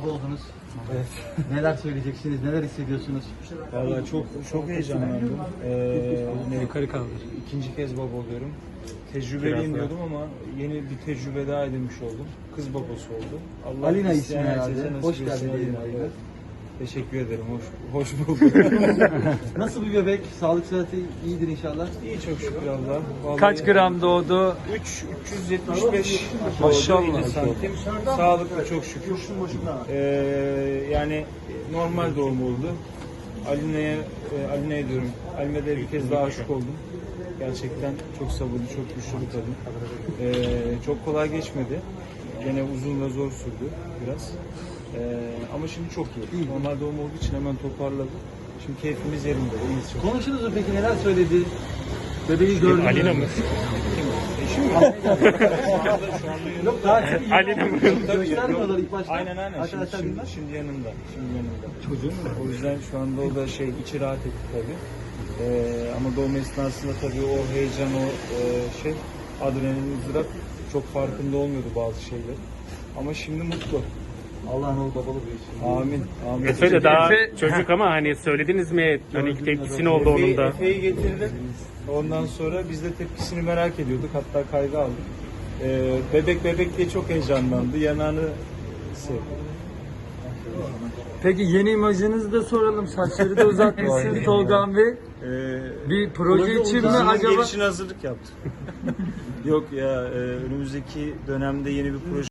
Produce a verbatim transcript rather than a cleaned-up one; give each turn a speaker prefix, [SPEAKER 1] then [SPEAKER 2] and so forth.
[SPEAKER 1] baba oldunuz.
[SPEAKER 2] Evet.
[SPEAKER 1] Neler söyleyeceksiniz, neler hissediyorsunuz?
[SPEAKER 2] Vallahi çok çok heyecanlandım. Ee, ne-
[SPEAKER 3] Yukarı kaldır.
[SPEAKER 2] İkinci kez baba oluyorum. Tecrübeliyim diyordum ama yeni bir tecrübe daha edinmiş oldum. Kız babası oldum. Allah
[SPEAKER 1] Alina
[SPEAKER 2] isteyen
[SPEAKER 1] ismi
[SPEAKER 2] herkese
[SPEAKER 1] herhalde.
[SPEAKER 2] nasip
[SPEAKER 1] Hoş
[SPEAKER 2] etsin
[SPEAKER 1] geldin diyelim
[SPEAKER 2] Alina'yı.
[SPEAKER 1] Alina.
[SPEAKER 2] Teşekkür ederim. Hoş, hoş bulduk.
[SPEAKER 1] Nasıl bir bebek? Sağlık sıhhati iyidir inşallah.
[SPEAKER 2] İyi çok şükür Allah. Vallahi
[SPEAKER 3] Kaç gram doğdu?
[SPEAKER 2] üç üç yüz yetmiş beş
[SPEAKER 3] Maşallah.
[SPEAKER 2] elli santim. Sağlıklı çok şükür. Ee, yani normal doğum oldu. Alina'ya e, Alina'ya diyorum. Alime'de bir kez daha aşık oldum. Gerçekten çok sabırlı, çok güçlü bir kadın. Ee, çok kolay geçmedi. Gene uzun ve zor sürdü biraz. Ee, ama şimdi çok iyi. Normal doğum olduğu için hemen toparladı. Şimdi keyfimiz yerinde. İyiyiz çok.
[SPEAKER 1] Konuştunuz mu peki, neler söyledi? Bebeği gördünüz mü?
[SPEAKER 3] Alina mı?
[SPEAKER 2] Eşim mi? Şu anda, şu anda yanında.
[SPEAKER 1] Yok daha çok iyi.
[SPEAKER 3] Alina mı?
[SPEAKER 1] Göstermiyorlar ilk başta.
[SPEAKER 2] Aynen aynen. Şimdi,
[SPEAKER 1] Arkadaşlar
[SPEAKER 2] şimdi,
[SPEAKER 1] bilmez.
[SPEAKER 2] şimdi yanında. Şimdi yanında.
[SPEAKER 1] Çocuğun mu?
[SPEAKER 2] O yüzden şu anda o da şey içi rahat etti tabii. Ee, ama doğum esnasında tabii o heyecan, o e, şey adrenalin, ızdırap çok farkında olmuyordu bazı şeyler. Ama şimdi mutlu.
[SPEAKER 1] Allah'ın oğlu babalı büyüsün.
[SPEAKER 2] Amin. Amin.
[SPEAKER 4] Efe de daha
[SPEAKER 3] Efe-
[SPEAKER 4] çocuk ama hani söylediniz mi? Hani ilk tepkisi ne oldu onun da?
[SPEAKER 2] Efe'yi getirdim. Ondan sonra biz de tepkisini merak ediyorduk. Hatta kayda aldık. Ee, bebek bebek diye çok heyecanlandı. Yanağını sevdi.
[SPEAKER 3] Peki yeni imajınızı da soralım. Saçları da uzatmışsın Tolgan Bey.
[SPEAKER 2] Ee,
[SPEAKER 3] Bir proje için mi
[SPEAKER 2] Dizinin
[SPEAKER 3] acaba?
[SPEAKER 2] gelişine hazırlık yaptım. Yok ya, e, önümüzdeki dönemde yeni bir proje